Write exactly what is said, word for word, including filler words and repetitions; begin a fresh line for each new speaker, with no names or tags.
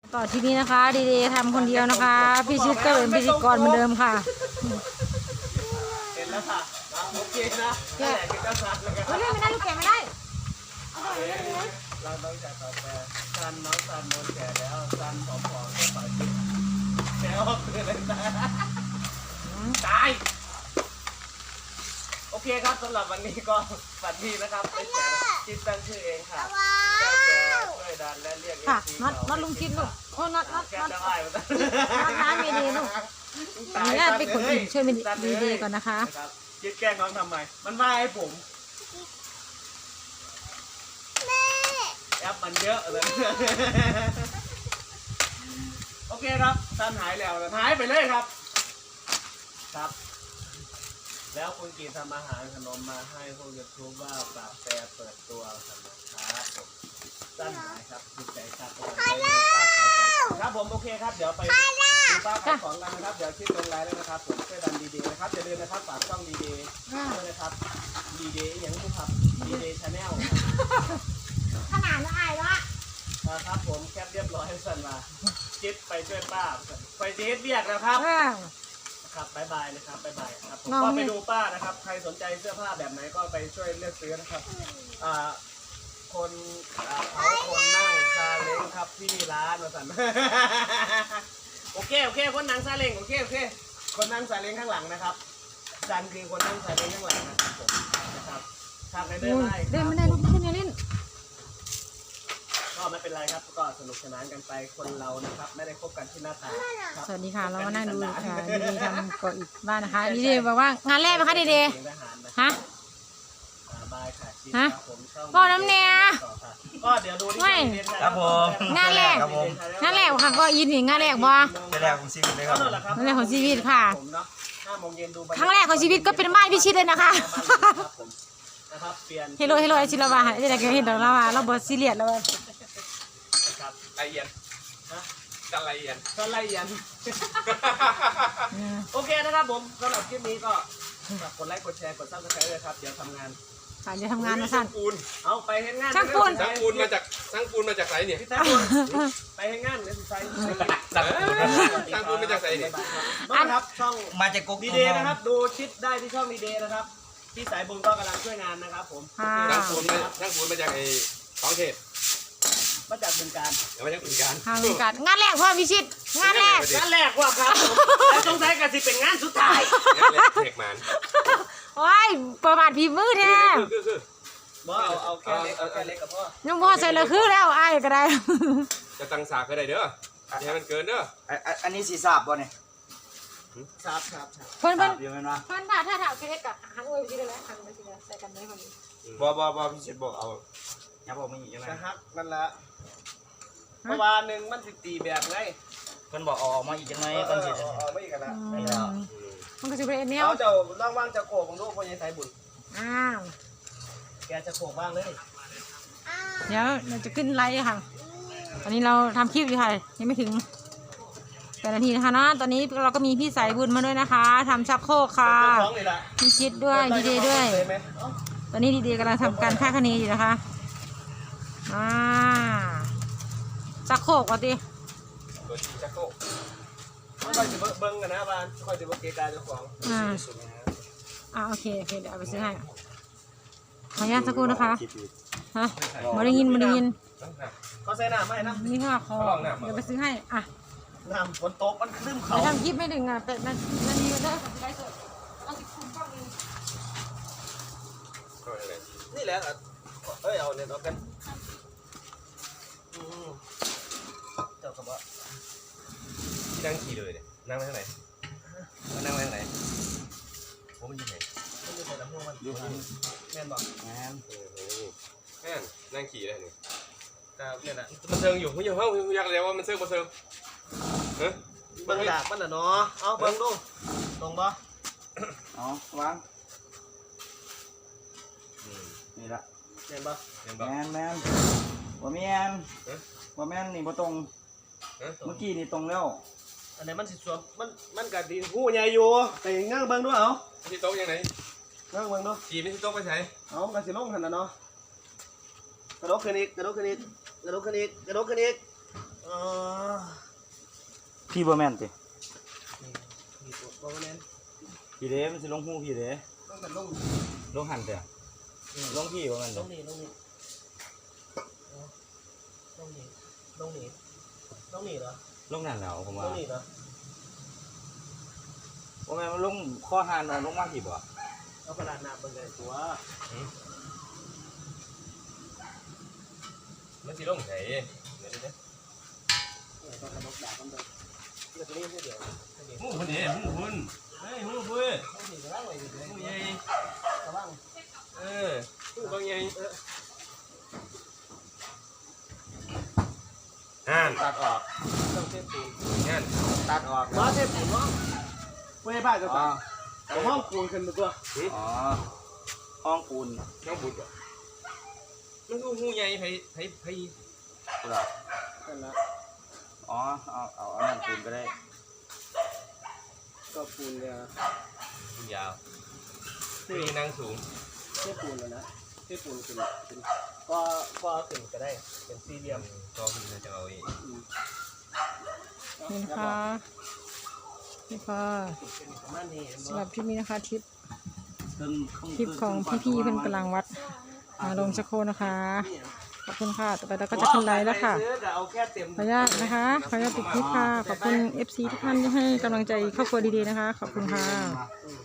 ต่อที่นี้นะคะดีเดย์ทำคนเดียวนะคะพี่ชิดก็เป็นพิธีกรเหมือนเดิมค่ะ
เห็นแล้วค่ะโอเคนะแก่กินข้าวสัตว์แล้วกัน
ไม่ได้ไม่ได้ลูกแกะไม่ได้
เราต้องจัดต่อไปซันน้องซันโดนแก่แล้วซันผอมๆก็ต่อยกินแก่ออกเลยตายตายโอเคครับสำหรับวันนี้ก็ฝันดีนะครับไปแก่คิดตั้งชื่อเองค่ะแก้วแก่ช่วยดันและเรียกเอฟ
ค่ะ
ซี
น็อตน็อตลุงชิดลูกโอ้น็อตน็อต
แก้
น็
ว
อต
จะไหว้มาตั้ง
น้ำไม่ดีลูกนี่น่าเป็นคนอื่นช่วยดีเดย์ก่อนนะคะ
คิดแกล้งน้องทำไมมันว่าให้ผมแอปมันเยอะเลยโอเคครับท่านหายแล้วหายไปเลยครับครับแล้วคุณกีทำอาหารขนมมาให้พวกยูทูบว่าปากแปรเปิดตัวกันนะครับผมท่านหายครับดีใจครับครับผมโอเคครับเดี๋ยวไปดูป้าขายของกันนะครับเดี๋ยวคลิปลงไลน์แล้วนะครับผมช่วยดันดีๆนะครับอย่าลืมนะครับฝากช่องดีๆด้วยนะครับดีๆอย่างนี้ครับดีๆชาแนล
ขนาดนั้นไอ้ละ
ครับผมแคปเรียบร้อยสั่นมาจิ๊บไปช่วยป้าไปเดทเรียกแล้วครับครับบายบายนะครับบายบายครับผมก็ไปดูป้านะครับใครสนใจเสื้อผ้าแบบไหนก็ไปช่วยเลือกซื้อนะครับอ่าคนเขาคนนั่งซาเล้งครับที่ร้านมาสั่นโอเคโอเคคนนั่งซาเล้งโอเคโอเคคนนั่งซาเล้งข้างหลังนะครับจันคือคนนั่งซาเล้งข้างหลังนะครับผมนะครับทางไหนเดินได้
เดินไม่ได้ลูกเล่นอย่าเล่น
ก็ไม่เป็นไรครับก็สนุกสนานกันไปคนเรานะครับไม่ได้คบกันที่หน้าตา
สวัสดีค่ะเรามานั่งดูค่ะดีเดย์ทำก่ออิฐบ้านนะคะดีเดย์บอกว่างานแรกไหมคะดีเดย์ฮะฮะบอกน้ำเนีย
ก็เดี๋ยวดูที่
ครับผม
งานแรกงานแรกค่ะก็อิฐนี่งานแรกบ่
งานแรกของชีวิตเลยครับ
งานแรกของชีวิตค่ะครั้งแรกของชีวิตก็เป็นบ้านพี่ชิดเลยนะคะเฮโร่เฮโร่ไอชิลาวาจะได้เห็นดอกลาวาเราบอซีเรียสแล้ว
ละเอียดกันละเอียด
กันละเอียดโอเคนะครับผมสำหรับคลิปนี้ก็กดไลค์กดแชร์กดซับสไครต์เลยครับเดี๋ยวทำงาน
ค่ะจะทำงานมาสั่น
ปูน
เอาไปเห็นงาน
ช่างปูน
ช่างปูนมาจากช่างปูนมาจากไหนเนี่ย
ไปเห็นงานเลยไซ
ช่างปูนมาจากไหนเนี่ย
นะครับช่อง
มาจากกก
ดีเดย์นะครับดูชิดได้ที่ช่องดีเดย์นะครับที่สายบุญก็กำลังช่วยงานนะครับผม
ช่างปูนช่างปูนมาจากไอ้ท้องเทศ
มาจากบึงการ
มาจากบึงการ
งานบึงการงานแรกพ่อพิชิตงานแรก
งานแรกว่าครับแล้วสงสัยกันสิเป็นงานสุดท้าย
งานแรกเด็กมัน
โอ้ยประมาทผีมือแท้
บ่เอาเอาแค่เล็กเอาแค่เล็กกับพ่อ
นุ่มพ่อใส่เลยคือแล้วไอ้ก็ได้
จะตั้งสากก็ได้เด้ออย่าให้มันเกินเด้อ
อันนี้สีสาบบ่เนี่ย
สาบสาบ
เพิ่นเพิ่น
เดี๋ยวมันว่า
เพิ่นถ้าถ้าถ้าเอาแค่เล็กกับหันอวยพี่ได้แล้วหันไปทีละใส่กันได้พอดี
บ่บ่บ่พี่เช็ดบอกเอาอย่าบอกไม่หยิบยังไง
นะครับนั่นแหละเมื่อวานหนึ่งมันสิตีแบบไง
มันบอกออกมาอีกยังไงกันสิ
ออกมาอีกกันนะ
มันก็จะเป็นเนี้ย
เขาจะร่างว่างจะโขกของลูกคนยัยไทยบุญ
อ้าว
แกจะโขกบ้างเลย
เดี๋ยวเราจะขึ้นไลฟ์ค่ะตอนนี้เราทำคลิปอยู่ค่ะยังไม่ถึงแปดนาทีนะคะนะตอนนี้เราก็มีพี่สายบุญมาด้วยนะคะทำชักโครกค่ะพี่ชิดด้วยดีเดย์ด้วยตอนนี้ดีเดย์กำลังทำการคาดคะเนอยู่นะคะอ่าชักโครกว่ะดิ
ตัวชีชักโครก
คอยจะเบิ้งกันนะบ้านคอยจะเบิ้งเกกาเจ้าของ
อ่าอ่าโอเคโอเคเดี๋ยวเอาไปซื้อให้ขออนุญาตสักครู่นะคะฮะมาได้ยินมาได้ยิน
เขาใส่น้ำไหมนะ
นี่ค่ะคอเดี๋ยวไปซื้อให้อ่ะ
น้ำฝนตกมันขึ้นเขา
ไปทำคลิปไม่ถึงอ่ะเป็ดนาทีก็ได้ไลฟ์สดเอาสิคุณกล้องนึง
นี่แหละเอ้ยเอาเนี่ยเอากันเจ้ากระบะ
ที่นั่งขี่เลยเนี่ยนั่งไปทางไหนมันนั่งไปทางไหนผมมันอยู่ไหน
มันอยู่ไหนลำโพงมันอยู่ที่แม่นบอก
แม่น
แม่นนั่งขี่เลยนี่
แต่เนี่ยนะ
มันเซิงอยู่ไม่อยู่ห้องอยากเรียกว่ามันเซิงมาเซิงเฮ้ย
เบิ้งดากมันน่ะเนาะเอาเบิ้งดูตรงปะ
อ๋อวางนี่ละ
แม่นปะ
แม่นแม่นบ่แม่นบ่แม่นนี่บ่ตรงเมื่อกี้นี่ตรงแล้ว
อันนี้มันสิสวมมันมันกัดดินหูใหญ่อยู่แต่ยังนั่งเบิ้งดูเอา
ที่โต๊ะยังไง
นั่งเบิ้งดู
ขี่ไม่ที่โต๊ะไปไหน
เอากันสิลงหันนะเนาะกระโดดขึ้นอีกกระโดดขึ้นอีกกระโดดขึ้นอีกกระโดดขึ้นอีกอ๋อ
พี่บ่แม่นติ
นี่นี่ตัวบ่แม่น
พี่เด้มันสิลงหูพี่เด้
ต้องแต่ลง
ลงหันเด้อลงพี่บ่แม่น
ล
เด้อง
นี่ลงนี่ลงนี่ลงนี่ลงนี่เหรอ
ลงนั่นแล้วผม
ล
ว่าง
นี่เหรอ
บ่แม่นมันลงข้อหันเอาลงมาพี่บ่
เอากระดาษหนาเบิ่งกันตัว
มันสิลงใส่เดี๋ยวเดี๋ยว
เออต้องกระดกดาบมันเบิ่งเดี๋ยวตัวนี้เดี๋ยวเดี๋ยว
หูคนเดียวหูคนเฮ้ยหูเพื่อ
ต้องสีกระว่างไว้อยู่เลย
หูใหญ่
กระว่าง
เออหูบางใหญ่งาน
ตัดออก
ต้องเทปูน
งาน
ตัดออก
ว่าเทปูนเนาะไม่ให้บ้านจะ
อ๋อ
สั่งเอาห้องปูนขึ้นมาตัว
อ๋อห้องปูน
น้องบุตรมันหูหูใหญ่ไผไผไผ
เหรอ
กันละ
อ๋อเอาเอาอันนั้นปูนก็ได้
ก็ปูนเนี่ย
หูยาวนี่นั่งสูง
เทปูนแล้วนะเทปูนขึ้นขึ้นก็ก็ขึ้นก็ได้เป็นสี่เหลี่ยม
ก็คือจะเอาเอง
นี่นะคะนี่ค่ะ
เป็นประมาณนี้
สำหรับคลิปนี้นะคะทริป
ครึ่ง
คลิปของพี่ๆเพื่อนกำลังวัดมาลงชักโครกนะคะ ขอบคุณค่ะ ต่อไปเราก็จะขึ้นไลน์แล้วค่ะ
เอาแค่เต็ม
ขออนุญาตนะคะ ขออนุญาตปิดคลิปค่ะ ขอบคุณ เอฟ ซี ทุกท่านที่ให้กำลังใจครอบครัวดีๆนะคะ ขอบคุณค่ะ